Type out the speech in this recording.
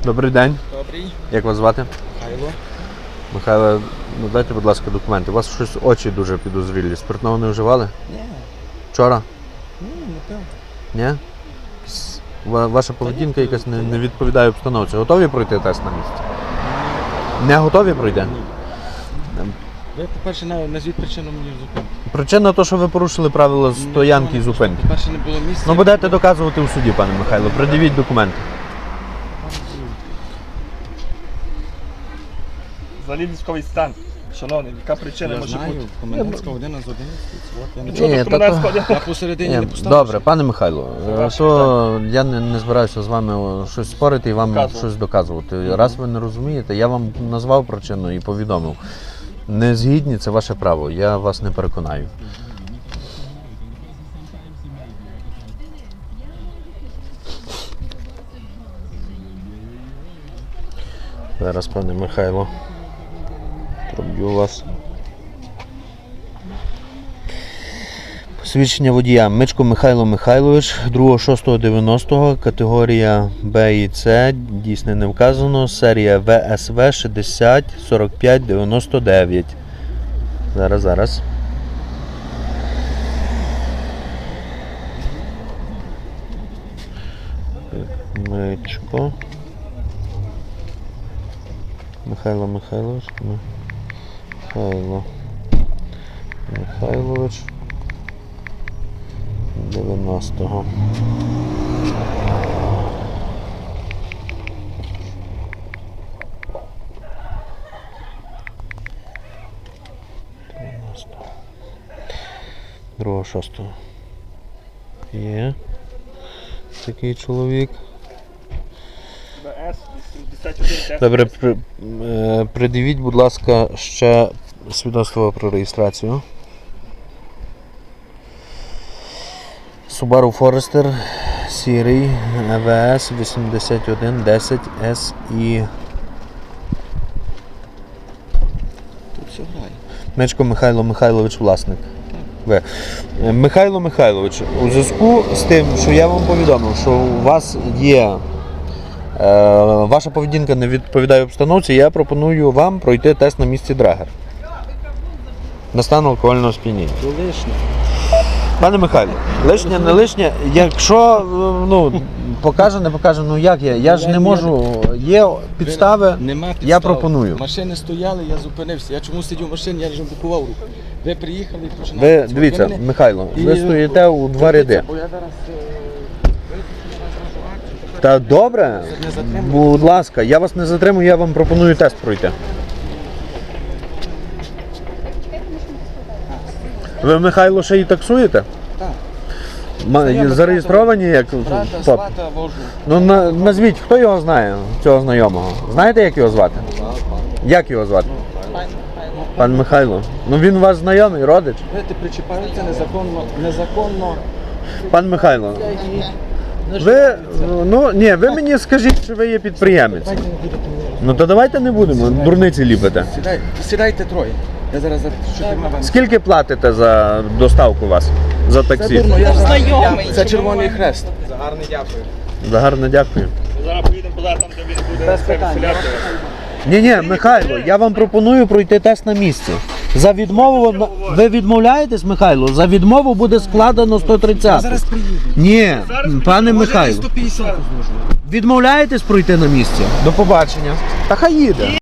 Добрий день. Добрий. Як вас звати? Михайло. Михайло, ну дайте, будь ласка, документи. У вас щось очі дуже підозрілі. Спиртного не вживали? Ні. Вчора? Ні, не пив. Ні? Ваша поведінка якась не відповідає обстановці. Готові пройти тест на місці? Не готові пройти? Ні. Ви, по-перше, назвіть причину мені зупинки. Причина то, що ви порушили правила стоянки і зупинки. По-перше, не було місця. Ну будете доказувати у суді, пане Михайло. Придивіть документи. Взагалі військовий стан. Шановний, яка причина Я може знаю, бути? комендантська година з 11. От, я не Ні, Чого та тут комендантська то- година? Я посередині не поставив. Добре, пане Михайло, то я не збираюся з вами щось спорити і вам Доказувати. щось доказувати. Раз ви не розумієте, я вам назвав причину і повідомив. Не згідні, це ваше право, я вас не переконаю. Зараз, пане Михайло, проб'ю вас. Посвідчення водія. Мичко Михайло Михайлович, 2.6.90, категорія Б і С, дійсно не вказано, серія ВСВ 60 45 99. Зараз. Мичко Михайло Михайлович. Михайло Михайлович. 90-го. Другого 6-го. Є такий чоловік. БС 81 Добре, придивіть, будь ласка, ще свідоцтво про реєстрацію. Subaru Forester сірий ВС 8110 SI. Тут все грає. Мечко Михайло Михайлович, власник. Ви. Михайло Михайлович, у зв'язку з тим, що я вам повідомив, що у вас є ваша поведінка не відповідає обстановці, я пропоную вам пройти тест на місці Драгер. На стан алкогольного сп'яніння. То лишнє. Пане Михайло, лишнє, не лишнє, якщо покаже, не покаже, як я? Я ж не можу, є підстави, Нема підстав. я пропоную. Машини стояли, я зупинився. Я чому сидів в машині, я вже блокував руку. Ви приїхали і починали. Ви, дивіться, Михайло, ви стоїте у два ряди. Бо я зараз... Та добре, Не затримую. будь ласка, я вас не затримую, я вам пропоную тест пройти. Ви, Михайло, ще і таксуєте? Так. Зареєстровані як Брата, ПОП? свата вожу. Ну назвіть, хто його знає, цього знайомого? Знаєте, як його звати? Як його звати? Пан Михайло. Ну він у вас знайомий, родич? Знаєте, причіпаються незаконно. Пан Михайло, ви, ви мені скажіть, що ви є підприємець. Давайте не будете мені. Ну то давайте не будемо, дурниці ліпите. Сідайте троє. Я зараз за 4 вам. Скільки платите за доставку вас? За Це таксі? дурно, я знайомий. Це Червоний Хрест. За гарне дякую. Зараз поїдемо туди, там де він буде Без себе питань. вселяти. Ні, Михайло, я вам пропоную пройти тест на місці. За відмову, ви відмовляєтесь, Михайло? За відмову буде складено 130. Зараз приїду. Ні, пане Може, Михайло, 150 зможу. відмовляєтесь пройти на місці? До побачення. Та хай їде.